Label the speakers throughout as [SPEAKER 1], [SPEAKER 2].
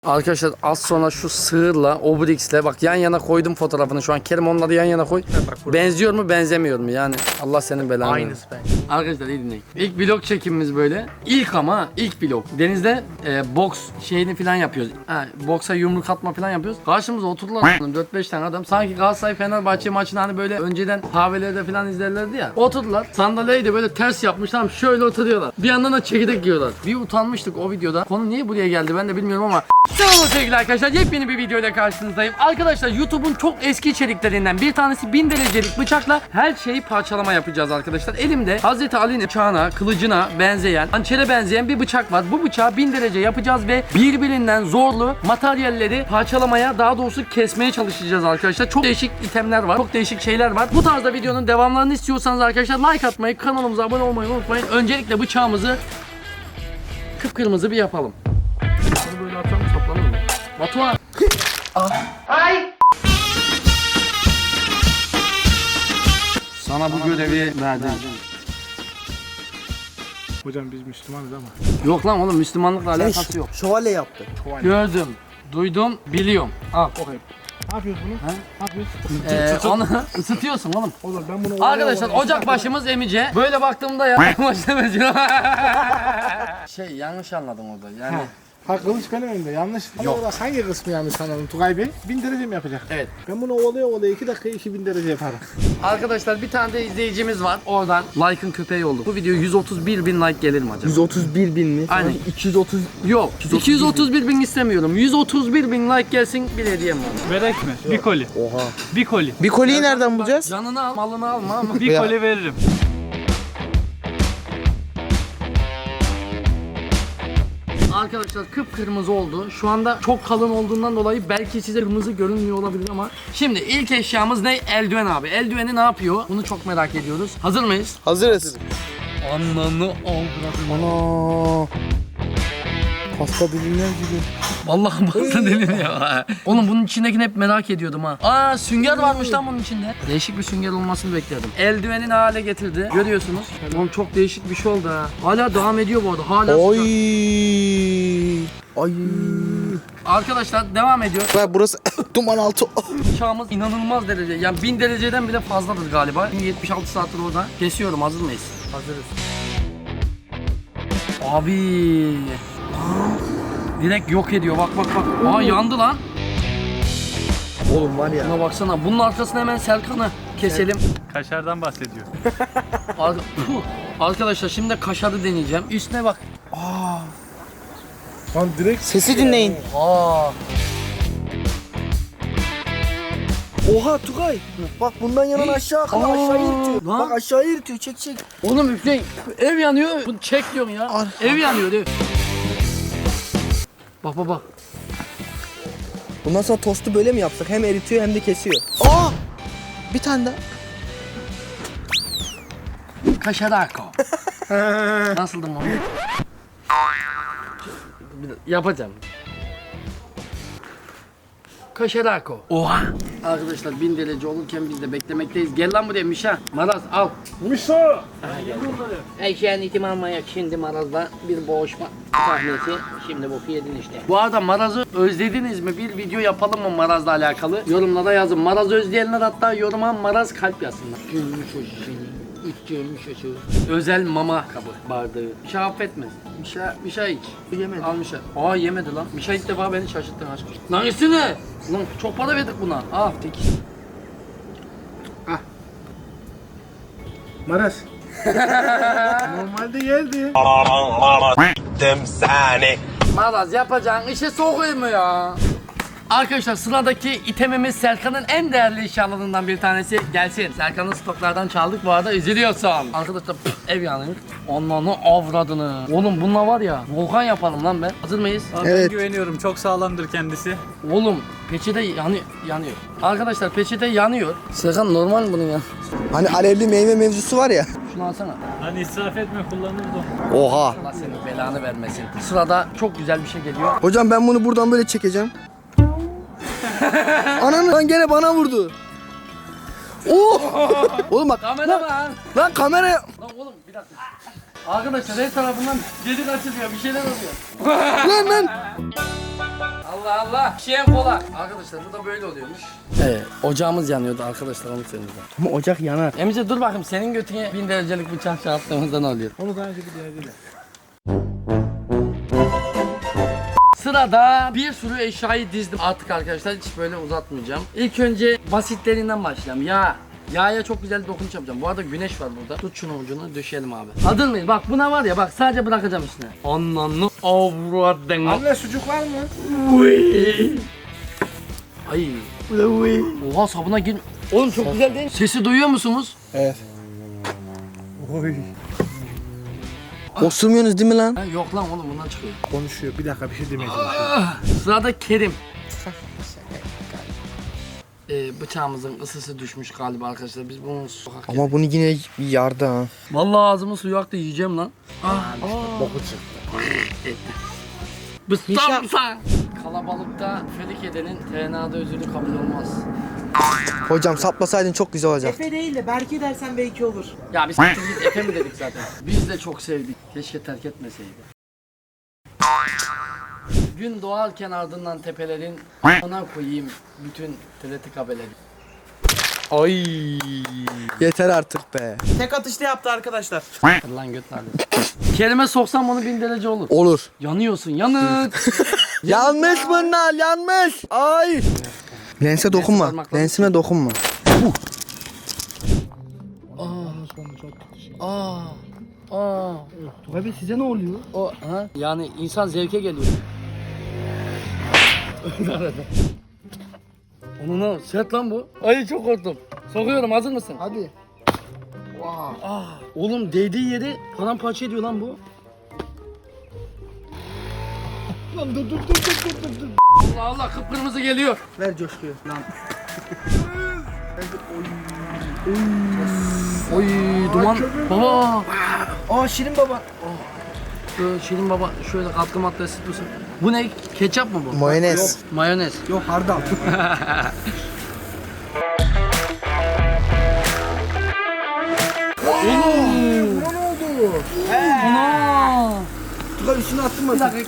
[SPEAKER 1] Arkadaşlar az sonra şu sığırla, Obrix'le bak yan yana koydum fotoğrafını şu an. Kerim onları yan yana koy. Benziyor mu benzemiyor mu yani Allah senin belanı.
[SPEAKER 2] Aynısı ben.
[SPEAKER 1] Arkadaşlar iyi dinleyin. İlk vlog çekimimiz böyle. İlk ama ilk vlog. Denizde boks şeyini falan yapıyoruz. Boksa yumruk atma falan yapıyoruz. Karşımıza oturdular 4-5 tane adam. Sanki Galatasaray Fenerbahçe maçını hani böyle önceden kahvelerde falan izlerlerdi ya. Oturdular. Sandalyeyi de böyle ters yapmışlar. Şöyle oturuyorlar. Bir yandan da çekirdek yiyorlar. Bir utanmıştık o videoda. Konu niye buraya geldi ben de bilmiyorum ama selam sevgili arkadaşlar, yepyeni bir videoyla karşınızdayım. Arkadaşlar YouTube'un çok eski içeriklerinden bir tanesi 1000 derecelik bıçakla her şeyi parçalama yapacağız arkadaşlar. Elimde Hazreti Ali'nin bıçağına, kılıcına benzeyen, hançere benzeyen bir bıçak var. Bu bıçağı 1000 derece yapacağız ve birbirinden zorlu materyalleri parçalamaya, daha doğrusu kesmeye çalışacağız arkadaşlar. Çok değişik itemler var, çok değişik şeyler var. Bu tarzda videonun devamlarını istiyorsanız arkadaşlar like atmayı, kanalımıza abone olmayı unutmayın. Öncelikle bıçağımızı kıpkırmızı bir yapalım. Bunu böyle atalım, saplanır mı? Batuhan! Ay! Sana bu görevi verdim.
[SPEAKER 2] Hocam biz Müslümanız ama.
[SPEAKER 1] Yok lan oğlum, Müslümanlıkla alakası yok.
[SPEAKER 3] Şövalye yaptı.
[SPEAKER 1] Gördüm, duydum, biliyorum. Al.
[SPEAKER 2] Ne yapıyoruz bunu? Ne yapıyoruz?
[SPEAKER 1] Onu ısıtıyorsun oğlum.
[SPEAKER 2] Olur ben bunu...
[SPEAKER 1] Arkadaşlar ocak başımız emice. Böyle baktığımda ya başta benziyor. Yanlış anladım orada yani.
[SPEAKER 2] Ha kılıç benim elimde yanlış. Yok. Ama hangi kısmı yanlış anladım Tugay Bey? 1000 derece mi yapacak?
[SPEAKER 1] Evet.
[SPEAKER 2] Ben bunu ovalaya 2 dakika 2000 derece yaparım.
[SPEAKER 1] Arkadaşlar bir tane de izleyicimiz var. Oradan like'ın köpeği oldu. Bu video 131 bin like gelir mi acaba?
[SPEAKER 3] 131 bin mi?
[SPEAKER 1] Aynen.
[SPEAKER 3] 230.
[SPEAKER 1] Yok. 231 bin istemiyorum. 131 bin like gelsin, bir hediyem var.
[SPEAKER 4] Verek mi? Bir koli.
[SPEAKER 3] Oha.
[SPEAKER 4] Bir koli.
[SPEAKER 3] Bir koliyi nereden bulacağız?
[SPEAKER 1] Canını al, malını alma ama.
[SPEAKER 4] Bir koli veririm.
[SPEAKER 1] Arkadaşlar kıpkırmızı oldu. Şu anda çok kalın olduğundan dolayı belki size kırmızı görünmüyor olabilir ama. Şimdi ilk eşyamız ne? Eldiven abi. Eldiveni ne yapıyor? Bunu çok merak ediyoruz. Hazır mıyız?
[SPEAKER 3] Hazırız.
[SPEAKER 1] Ananı avradım.
[SPEAKER 3] Ana. Pasta dilimler gibi.
[SPEAKER 1] Vallahi bastı dedim ya. Oğlum bunun içindekini hep merak ediyordum ha. Aa, sünger varmış lan bunun içinde. Değişik bir sünger olmasını bekledim. Eldivenin hale getirdi. Görüyorsunuz. Oğlum çok değişik bir şey oldu ha. Hala devam ediyor bu arada. Hala
[SPEAKER 3] Oy.
[SPEAKER 1] sıcak.
[SPEAKER 3] Ay.
[SPEAKER 1] Arkadaşlar devam ediyor.
[SPEAKER 3] Bak burası duman altı.
[SPEAKER 1] Bıçağımız inanılmaz derece. Yani 1000 dereceden bile fazladır galiba. 76 saattir orada. Kesiyorum. Hazır mıyız?
[SPEAKER 3] Hazırız.
[SPEAKER 1] Abi. Direkt yok ediyor. Bak bak bak. Aa, yandı lan.
[SPEAKER 3] Oğlum var ya.
[SPEAKER 1] Buna baksana. Bunun arkasına hemen Serkan'ı keselim.
[SPEAKER 4] Kaşardan bahsediyor.
[SPEAKER 1] Arkadaşlar şimdi kaşarı deneyeceğim. Üstüne bak.
[SPEAKER 2] Lan direkt
[SPEAKER 3] Sesi dinleyin.
[SPEAKER 1] Aa.
[SPEAKER 3] Oha Tugay. Bak bundan yanan aşağı akıyor. Aşağıya iritiyor.
[SPEAKER 1] Lan.
[SPEAKER 3] Bak aşağıya iritiyor. Çek çek.
[SPEAKER 1] Oğlum üfleyin. Ev yanıyor. Bunu çek diyorsun ya. Ev yanıyor diyor. Bak bak bak.
[SPEAKER 3] Bundan sonra tostu böyle mi yapsak? Hem eritiyor hem de kesiyor. Aa! Bir tane daha.
[SPEAKER 1] Kaşarako. Nasıldı mı? Yapacağım. Kaşarako. Oha. Arkadaşlar 1000 derece olurken biz de beklemekteyiz. Gel lan buraya Mişa. Maraz al.
[SPEAKER 2] Mişo!
[SPEAKER 1] Eşeğin itim almaya şimdi Maraz'la bir boğuşma sahnesi. Şimdi boku yedin işte. Bu arada Maraz'ı özlediniz mi? Bir video yapalım mı Maraz'la alakalı? Yorumlara yazın. Maraz özleyenler hatta yoruma Maraz kalp yazsınlar. Gülmüş o seni. İçtirmiş o seni. Özel mama kabı bardağı. Mişa affetmez. Mişa iç.
[SPEAKER 3] Yemedi.
[SPEAKER 1] Al Mişa. Aa, yemedi lan. Mişa ilk defa beni şaşırttın aşkım. Lan üstüne. Lan çok para verdik buna. Al tek.
[SPEAKER 2] Maras. Normalde geldi.
[SPEAKER 1] Maraz yapacağın işe sokuyor mu ya? Arkadaşlar sıradaki itemimiz Serkan'ın en değerli eşyalarından bir tanesi. Gelsin. Serkan'ın stoklardan çaldık, bu arada üzülüyorsun. Arkadaşlar ev yanıyor. Onlarını avradını. Oğlum bununla var ya volkan yapalım lan ben. Hazır mıyız?
[SPEAKER 4] Abi
[SPEAKER 3] Evet.
[SPEAKER 4] Ben güveniyorum. Çok sağlamdır kendisi.
[SPEAKER 1] Oğlum peçete yanıyor. Arkadaşlar peçete yanıyor. Serkan normal mi bunun ya?
[SPEAKER 3] Hani alevli meyve mevzusu var ya.
[SPEAKER 1] Şunu alsana.
[SPEAKER 4] Hani israf etme, kullanırız onu.
[SPEAKER 3] Oha.
[SPEAKER 1] Allah senin belanı vermesin. Sırada çok güzel bir şey geliyor.
[SPEAKER 3] Hocam ben bunu buradan böyle çekeceğim. Ananı lan gene bana vurdu. Oh! Oğlum bak.
[SPEAKER 1] Kameraman.
[SPEAKER 3] Lan kamera.
[SPEAKER 1] Lan oğlum bir dakika. Arkadaşlar her tarafından delik açılıyor, bir şeyler oluyor.
[SPEAKER 3] Lan.
[SPEAKER 1] Allah Allah. Şişeyen kola. Arkadaşlar bu da böyle oluyormuş. Evet, ocağımız yanıyordu arkadaşlar, onu söyleyeyim.
[SPEAKER 3] Ama ocak yanar.
[SPEAKER 1] Emice dur bakayım, senin götüne 1000 derecelik bıçak çarptığımızda ne oluyor?
[SPEAKER 2] Onu daha önce bir denediler.
[SPEAKER 1] Sırada bir sürü eşyayı dizdim artık arkadaşlar, hiç böyle uzatmayacağım. İlk önce basitlerinden başlayalım. Yağa çok güzel dokunuş yapacağım. Bu arada güneş var burada. Tut şunu ucunu, döşeyelim abi. Hazır mıyız? Bak buna var ya, bak sadece bırakacağım üstüne. Ananı avradın.
[SPEAKER 2] Anne sucuk var mı?
[SPEAKER 1] Ay. Oha, sabuna gir. Oğlum çok güzel değil mi? Sesi duyuyor musunuz?
[SPEAKER 2] Evet. Oy.
[SPEAKER 3] Osurmuyorsunuz değil mi lan?
[SPEAKER 1] Ha, yok lan oğlum, bundan çıkıyor.
[SPEAKER 2] Konuşuyor. Bir dakika bir şey demeye çalışıyor.
[SPEAKER 1] Sırada Kerim. Bıçağımızın ısısı düşmüş galiba arkadaşlar. Biz bunu sokak yedik.
[SPEAKER 3] Ama bunu yine yardı ha.
[SPEAKER 1] Vallahi ağzımın suyu aktı, yiyeceğim lan.
[SPEAKER 2] Boku çıktı.
[SPEAKER 1] Bıstamsan. Kalabalıkta felik edenin TNA'da özürlü kabul olmaz.
[SPEAKER 3] Hocam saplasaydın çok güzel olacak.
[SPEAKER 5] Efe değil de Berke dersen belki olur.
[SPEAKER 1] Ya biz git Efe mi dedik zaten. Biz de çok sevdik. Keşke terk etmeseydi. Gün doğarken ardından tepelerin ona koyayım bütün TRT kabeleri.
[SPEAKER 3] Ay. Yeter artık be.
[SPEAKER 5] Tek atışta yaptı arkadaşlar.
[SPEAKER 1] Lan göt nerede? Kelime soksam onu 1000 derece olur.
[SPEAKER 3] Olur.
[SPEAKER 1] Yanıyorsun, yanık.
[SPEAKER 3] Yanmış bunlar, yanmış. Ay. Lense dokunma.
[SPEAKER 1] parmakla-
[SPEAKER 3] Lensime dokunma.
[SPEAKER 1] Abi size ne oluyor? Yani insan zevke geliyor. Onu ne? Sert lan bu. Ay çok korktum. Sokuyorum, hazır mısın?
[SPEAKER 2] Hadi.
[SPEAKER 1] Oğlum değdiği yeri paramparça ediyor lan bu.
[SPEAKER 2] Lan dur.
[SPEAKER 1] Allah Allah, kıpkırmızı geliyor.
[SPEAKER 3] Ver coşkuyu. Lan.
[SPEAKER 1] Oy duman. Baba.
[SPEAKER 3] Aa Şirin baba.
[SPEAKER 1] Şirin baba şöyle katkı maddesi tutsun. Bu ne? Ketçap mı bu?
[SPEAKER 3] Mayonez.
[SPEAKER 1] Mayonez.
[SPEAKER 3] Yok hardal.
[SPEAKER 2] Ne oldu?
[SPEAKER 1] Ana.
[SPEAKER 3] Tugay üstüne attın mı?
[SPEAKER 1] Bir dakika.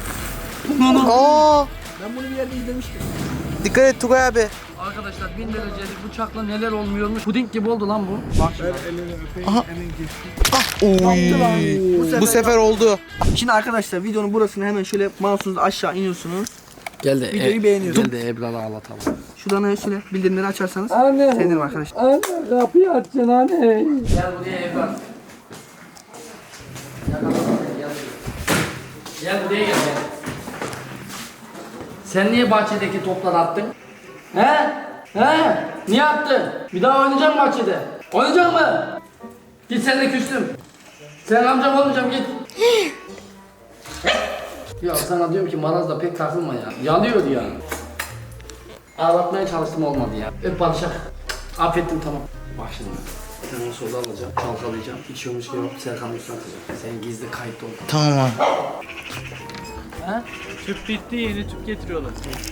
[SPEAKER 3] Aa.
[SPEAKER 2] Ben bunu bir yerde izlemiştim.
[SPEAKER 3] Dikkat et Tugay abi.
[SPEAKER 1] Arkadaşlar 1000 derecelik bıçakla neler olmuyormuş. Puding gibi oldu lan bu. Bak
[SPEAKER 2] Ver elini öpeyim. Elini geçsin.
[SPEAKER 3] Oy. Bu sefer oldu. Şimdi arkadaşlar videonun burasını hemen şöyle mouse'unuzla aşağı iniyorsunuz.
[SPEAKER 1] Gel de
[SPEAKER 3] Videoyu beğeniyorum.
[SPEAKER 1] Gel de Ebrar'ı ağlatalım.
[SPEAKER 3] Şuradan şöyle bildirimleri açarsanız
[SPEAKER 1] Anne.
[SPEAKER 3] sevinirim arkadaşlar.
[SPEAKER 1] Anne kapıyı açacaksın anne. Gel buraya Ebrar. Gel buraya gel. Sen niye bahçedeki topları attın? He? He? Niye attın? Bir daha oynayacak mı bahçede? Oynayacak mı? Git, seninle küstüm. Sen amcam olmayacağım, git. Ya sana diyorum ki marazda pek takılma ya. Yalıyor ya. Ağlatmaya çalıştım, olmadı ya. Öp barışak. Affettim, tamam. Bak şimdi. Bir tane soda alacağım, çalkalayacağım. İçiyormuş gibi Serkan'ın üstüne atacağım. Senin gizli kayıtlı ol.
[SPEAKER 3] Tamam abi.
[SPEAKER 1] Ha?
[SPEAKER 4] Tüp bitti, yeni tüp getiriyorlar.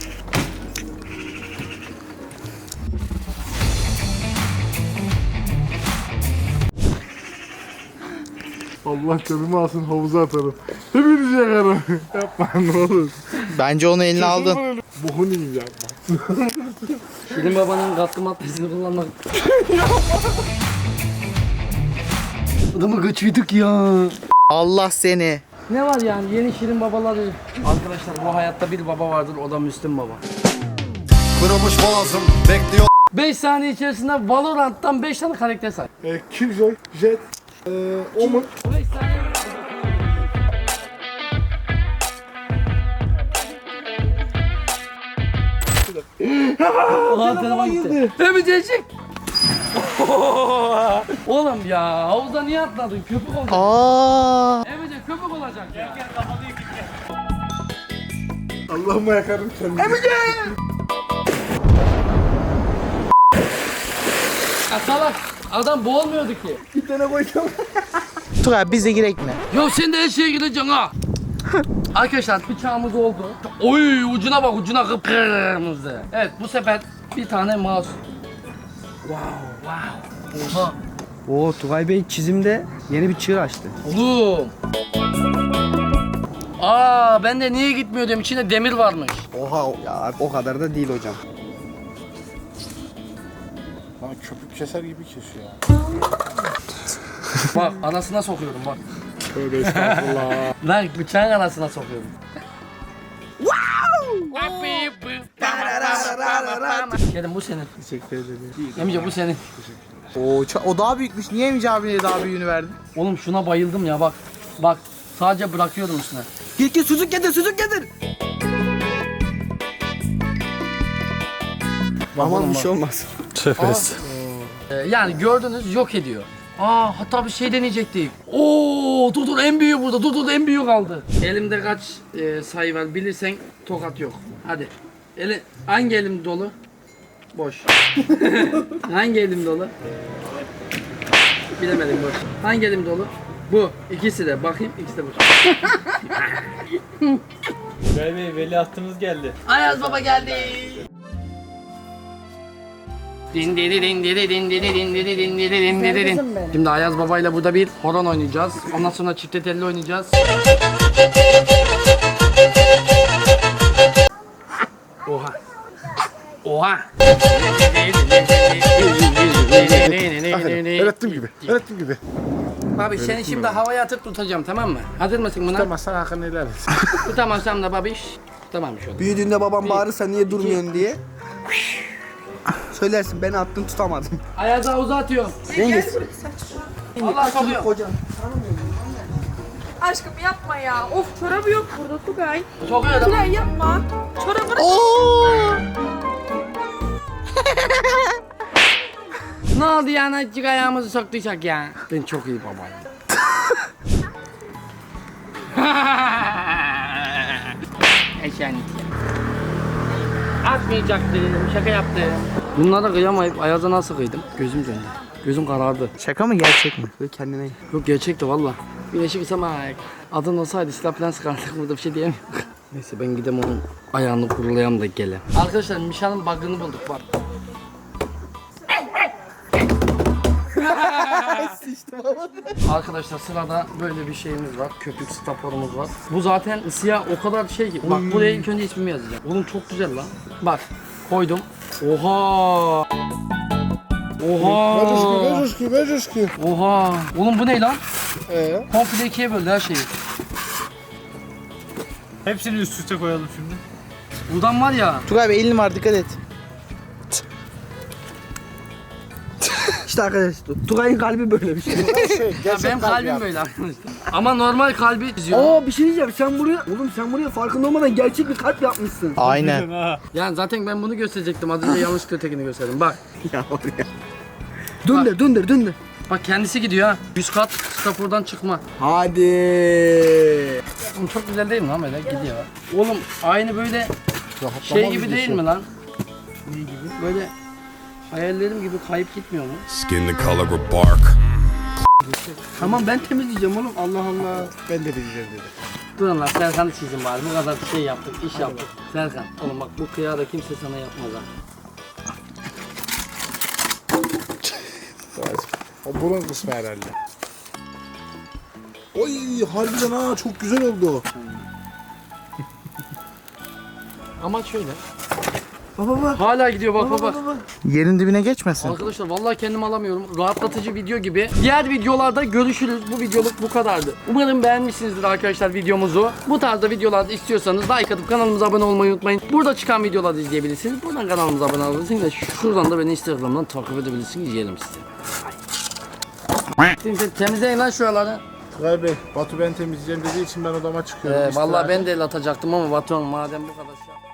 [SPEAKER 2] Allah canımı alsın, havuza atarım. Hepinizi yakarım. Yapma ne olur.
[SPEAKER 3] Bence onu eline aldın.
[SPEAKER 2] Bokunu yiyeyim yapma.
[SPEAKER 1] Şirin babanın katkı maddesini kullanmak. Adamı kaçıyorduk ya.
[SPEAKER 3] Allah seni.
[SPEAKER 1] Ne var yani, yeni Şirin babaları. Arkadaşlar bu hayatta bir baba vardır, o da Müslüm Baba.
[SPEAKER 6] Kırılmış boğazım bekliyor.
[SPEAKER 1] 5 saniye içerisinde Valorant'tan 5 tane karakter say.
[SPEAKER 2] Killjoy, Jet, Omen.
[SPEAKER 1] 5 saniye. Ulan telefon gitti. Ömececik. Oğlum ya, havuza niye atladın? Köpük olacak.
[SPEAKER 3] Aa.
[SPEAKER 1] Emece köpük olacak ya.
[SPEAKER 2] Allah'ıma yakarım kendimi.
[SPEAKER 1] Ya salak, adam boğulmuyordu ki.
[SPEAKER 2] Bir tane koyacağım.
[SPEAKER 3] Tugay bize girek mi?
[SPEAKER 1] Ya sen de her şeye gireceksin ha. Arkadaşlar bıçağımız oldu. Oy ucuna bak, ucuna kıpkırmızı. Evet, bu sefer bir tane mouse. Wow. Oha.
[SPEAKER 3] Oo Tugay Bey çizimde yeni bir çığır açtı.
[SPEAKER 1] Oğlum. Aa ben de niye gitmiyor diyorum. İçinde demir varmış.
[SPEAKER 3] Oha ya o kadar da değil hocam.
[SPEAKER 2] Bana köpük keser gibi kesiyor.
[SPEAKER 1] Bak anasına sokuyorum bak.
[SPEAKER 2] Tövbe estağfurullah.
[SPEAKER 1] Lan bıçağın anasına sokuyorum. Gelin bu senin.
[SPEAKER 2] Teşekkür ederim.
[SPEAKER 1] Emice bu senin.
[SPEAKER 5] O daha büyükmüş. Niye Emici abiye daha büyüğünü verdin?
[SPEAKER 1] Oğlum şuna bayıldım ya bak. Bak sadece bırakıyorum üstüne.
[SPEAKER 3] Git sucuk getir sucuk getir. Aman bir şey olmaz.
[SPEAKER 1] Yani gördünüz yok ediyor. Aa hatta bir şey deneyecektik. Oo dur en büyüğü burada. Dur en büyüğü kaldı. Elimde kaç sayı var bilirsen tokat yok. Hadi. Hangi elim dolu? Boş. Hangi elim dolu? Bilemedim boş. Hangi elim dolu? Bu. İkisi de. Bakayım ikisi de boş.
[SPEAKER 4] Tugay Bey veliahtımız geldi.
[SPEAKER 1] Ayaz Baba geldi. Şimdi Ayaz Baba ile burada bir horon oynayacağız. Ondan sonra çifte telli oynayacağız. Oha. Oha.
[SPEAKER 2] Öğrettim gibi. Öğrettim gibi.
[SPEAKER 1] Babiş seni şimdi havaya atıp tutacağım tamam mı? Hazır mısın buna?
[SPEAKER 2] Tutamazsan hakkını helal et.
[SPEAKER 1] Tutamazsam da babiş. Tamam şu an.
[SPEAKER 3] Büyüdüğünde babam bağırırsa niye durmuyorsun diye. Söylersin beni attın tutamadım.
[SPEAKER 1] Ayazı havuza atıyorum.
[SPEAKER 3] Cengiz.
[SPEAKER 1] Allah sokuyor.
[SPEAKER 3] Hocam.
[SPEAKER 7] Aşkım yapma ya. Of çorabı yok burada Tugay.
[SPEAKER 1] Sokuyor da.
[SPEAKER 7] Tugay yapma. Çorabını...
[SPEAKER 1] Ne oldu yani azıcık ayağımızı soktuysak ya. Ben çok iyi babayım. Eşenlik ya. Atmayacaktım, şaka yaptım. Bunlara kıyamayıp Ayaz'a nasıl kıydım? Gözüm döndü. Gözüm karardı.
[SPEAKER 3] Şaka mı gerçek mi? Böyle kendine.
[SPEAKER 1] Yok gerçekti valla. Güneşi kısam adın olsaydı silah falan sıkardık burada bir şey diyemiyorum. Neyse ben gidem onun ayağını kurulayam da gele. Arkadaşlar Mişan'ın bug'ını bulduk bak. Arkadaşlar sırada böyle bir şeyimiz var. Köpük staporumuz var. Bu zaten ısıya o kadar şey ki. Bak buraya ilk önce ismimi yazacağım. Oğlum çok güzel lan. Bak koydum. Oha. Oha.
[SPEAKER 2] Ver coşku.
[SPEAKER 1] Oha. Oğlum bu ne lan? Komple ikiye böldü her şeyi.
[SPEAKER 4] Hepsini üst üste koyalım şimdi.
[SPEAKER 1] Buradan var ya.
[SPEAKER 5] Tugay Bey elin var dikkat et.
[SPEAKER 3] İşte arkadaşlar Tugay'ın kalbi böyle bir şey.
[SPEAKER 1] Ya benim kalbim böyle arkadaşlar. Ama normal kalbi çiziyor.
[SPEAKER 3] Aa bir şey diyeceğim sen buraya oğlum sen buraya farkında olmadan gerçek bir kalp yapmışsın.
[SPEAKER 5] Aynen.
[SPEAKER 1] Yani zaten ben bunu gösterecektim. Az önce yanlışlıkla ötekini gösterdim. Bak.
[SPEAKER 3] Ya oraya. Döndür.
[SPEAKER 1] Bak kendisi gidiyor ha. 100 kat stapordan çıkma.
[SPEAKER 3] Hadi.
[SPEAKER 1] Oğlum çok güzel değil mi lan böyle gidiyor. Oğlum aynı böyle şey gibi değil mi lan? Ne gibi? Böyle hayallerim gibi kayıp gitmiyor mu?
[SPEAKER 6] Skin the color of bark.
[SPEAKER 3] Tamam ben temizleyeceğim oğlum Allah Allah.
[SPEAKER 2] Ben de diyeceğim dedi.
[SPEAKER 1] Durun lan Serkan'ı çizin bari. Bu kadar şey yaptık, iş yaptık. Serkan oğlum bak bu kıyağı da kimse sana yapmaz ha.
[SPEAKER 2] O burun kısmı herhalde. Oy harbiden ha çok güzel oldu.
[SPEAKER 1] Ama şöyle.
[SPEAKER 3] Baba.
[SPEAKER 1] Hala gidiyor bak.
[SPEAKER 5] Yerin dibine geçmesin.
[SPEAKER 1] Arkadaşlar vallahi kendimi alamıyorum. Rahatlatıcı video gibi. Diğer videolarda görüşürüz. Bu videoluk bu kadardı. Umarım beğenmişsinizdir arkadaşlar videomuzu. Bu tarzda videolarda istiyorsanız like atıp kanalımıza abone olmayı unutmayın. Burada çıkan videoları izleyebilirsiniz. Buradan kanalımıza abone olabilirsiniz ve şuradan da beni Instagram'dan takip edebilirsiniz. Yiyelim size. Şimdi temizleyin lan şuraları.
[SPEAKER 2] Tugay Bey, Batu ben temizleyeceğim dediği için ben odama çıkıyorum.
[SPEAKER 1] Vallahi ben de el atacaktım ama Batuhan madem bu kadar şey